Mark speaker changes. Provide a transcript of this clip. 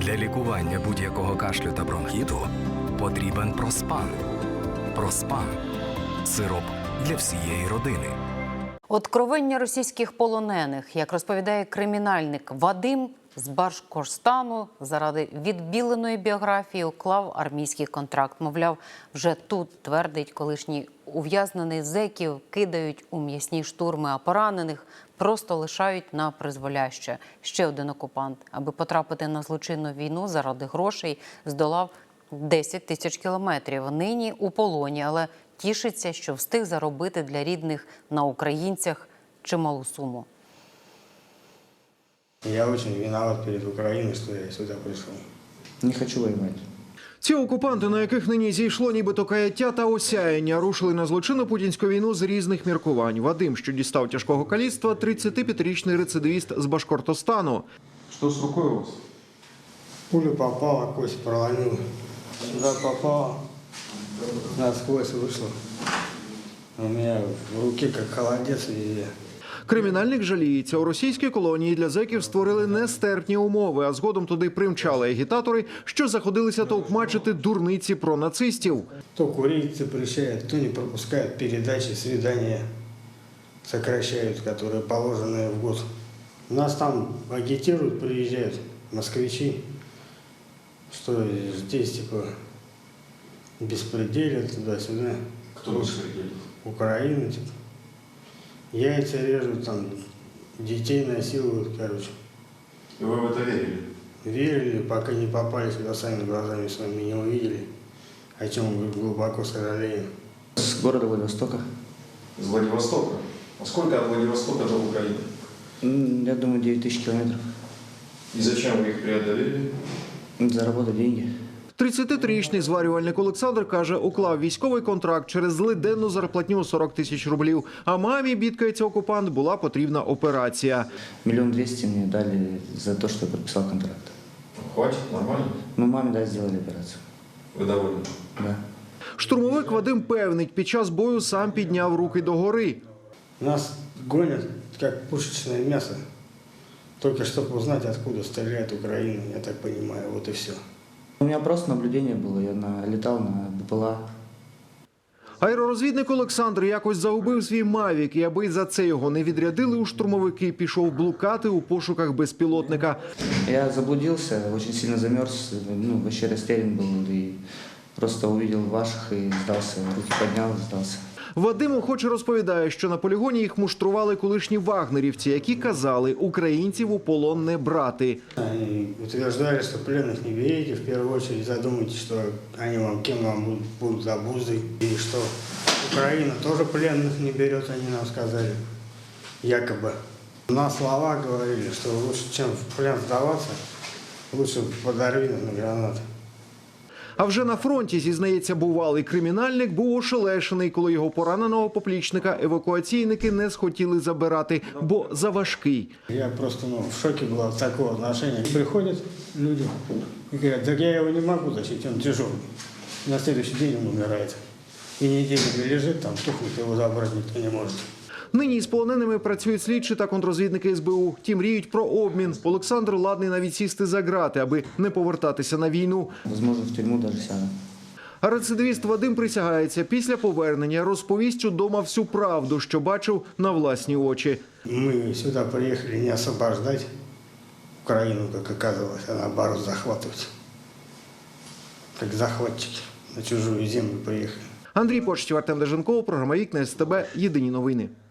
Speaker 1: Для лікування будь-якого кашлю та бронхіту потрібен Проспан. Проспан – сироп для всієї родини.
Speaker 2: Откровення російських полонених, як розповідає кримінальник Вадим, з Башкортостану заради відбіленої біографії уклав армійський контракт. Мовляв, вже тут, твердить колишній ув'язнений, зеків кидають у м'ясні штурми, а поранених просто лишають на призволяще. Ще один окупант, аби потрапити на злочинну війну заради грошей, здолав 10 тисяч кілометрів. Нині у полоні, але тішиться, що встиг заробити для рідних на українцях чималу суму.
Speaker 3: Я очень виноват перед Украиной, что я сюда пришел.
Speaker 4: Не хочу воевать.
Speaker 5: Ці окупанти, на яких нині зійшло нібито каяття та осяяння, рушили на злочинну путінську війну з різних міркувань. Вадим, що дістав тяжкого каліцтва, 35-річний рецидивіст з Башкортостану.
Speaker 4: Что с рукой у вас?
Speaker 3: Пуля попала, кость проломила. Сюда попала, насквозь вышла. У меня в руке как холодец везде.
Speaker 5: Кримінальник жаліється, у російській колонії для зеків створили нестерпні умови, а згодом туди примчали агітатори, що заходилися товкмачити дурниці про нацистів.
Speaker 3: То курить запрещают, то не пропускают передачи, свидания сокращают, которые положенные в год. Нас там агитируют, приезжают москвичи, что здесь типа беспределят туда-сюда.
Speaker 4: Кто беспределит?
Speaker 3: Украина, типа. Яйца режут, там, детей насилуют, короче.
Speaker 4: И вы в это верили?
Speaker 3: Верили, пока не попали сюда, сами глазами своими не увидели, о чем мы глубоко сожалеем.
Speaker 4: С города Владивостока.
Speaker 6: С Владивостока? А сколько от Владивостока до Украины?
Speaker 4: Я думаю, 9 тысяч километров.
Speaker 6: И зачем вы их преодолели?
Speaker 4: Заработать деньги.
Speaker 5: 33-річний зварювальник Олександр каже, уклав військовий контракт через злиденну зарплатню 40 тисяч рублів. А мамі, бідкається окупант, була потрібна операція.
Speaker 4: 1 200 000 мне дали за то, что я подписал контракт.
Speaker 6: Хватит? Нормально?
Speaker 4: Ну, маме, да, сделали операцию.
Speaker 6: Вы довольны?
Speaker 4: Да.
Speaker 5: Штурмовик Вадим певнить, під час бою сам підняв руки догори.
Speaker 3: Нас гонят, как пушечное мясо, только чтобы узнать, откуда стреляет Украина, я так понимаю, вот и все.
Speaker 4: У меня просто наблюдение было, я летал на БПЛА.
Speaker 5: Аеророзвідник Олександр якось загубив свій «Мавік», і аби за це його не відрядили у штурмовики, пішов блукати у пошуках безпілотника.
Speaker 4: Я заблудился, очень сильно замерз, ну, вообще растерян был, и просто увидел ваших и сдался, руки поднял и сдался.
Speaker 5: Вадим охоче розповідає, що на полігоні їх муштрували колишні вагнерівці, які казали, українців у полон не брати.
Speaker 3: Они утверждали, что пленных не берите, в первую очередь задумайтесь, что они вам, кем вам будут обузой, и что Украина тоже пленных не берет, они нам сказали, якобы. На слова говорили, что лучше, чем в плен сдаваться, лучше подорви на гранаты.
Speaker 5: А вже на фронті, зізнається бувалий кримінальник, був ошелешений, коли його пораненого поплічника евакуаційники не схотіли забирати, бо заважкий.
Speaker 3: Я просто в шоке был от такого отношения. Приходят люди и говорят, так я его не могу защитить, он тяжелый. На следующий день он умирает. И неделю лежит там, тухнет, его забрать никто не может.
Speaker 5: Нині з полоненими працюють слідчі та контррозвідники СБУ. Ті мріють про обмін. Олександр ладний навіть сісти за грати, аби не повертатися на війну.
Speaker 4: Возможно, в тюрьму даже сяду.
Speaker 5: А рецидивіст Вадим присягається, після повернення розповість удома всю правду, що бачив на власні очі.
Speaker 3: Мы сюда приехали не освобождать Украину, как оказалось, а наоборот захватывать. Как захватчики на чужую землю приехали.
Speaker 5: Андрій Почтів, Артем Деженков, програма «Вікна СТБ». Єдині новини.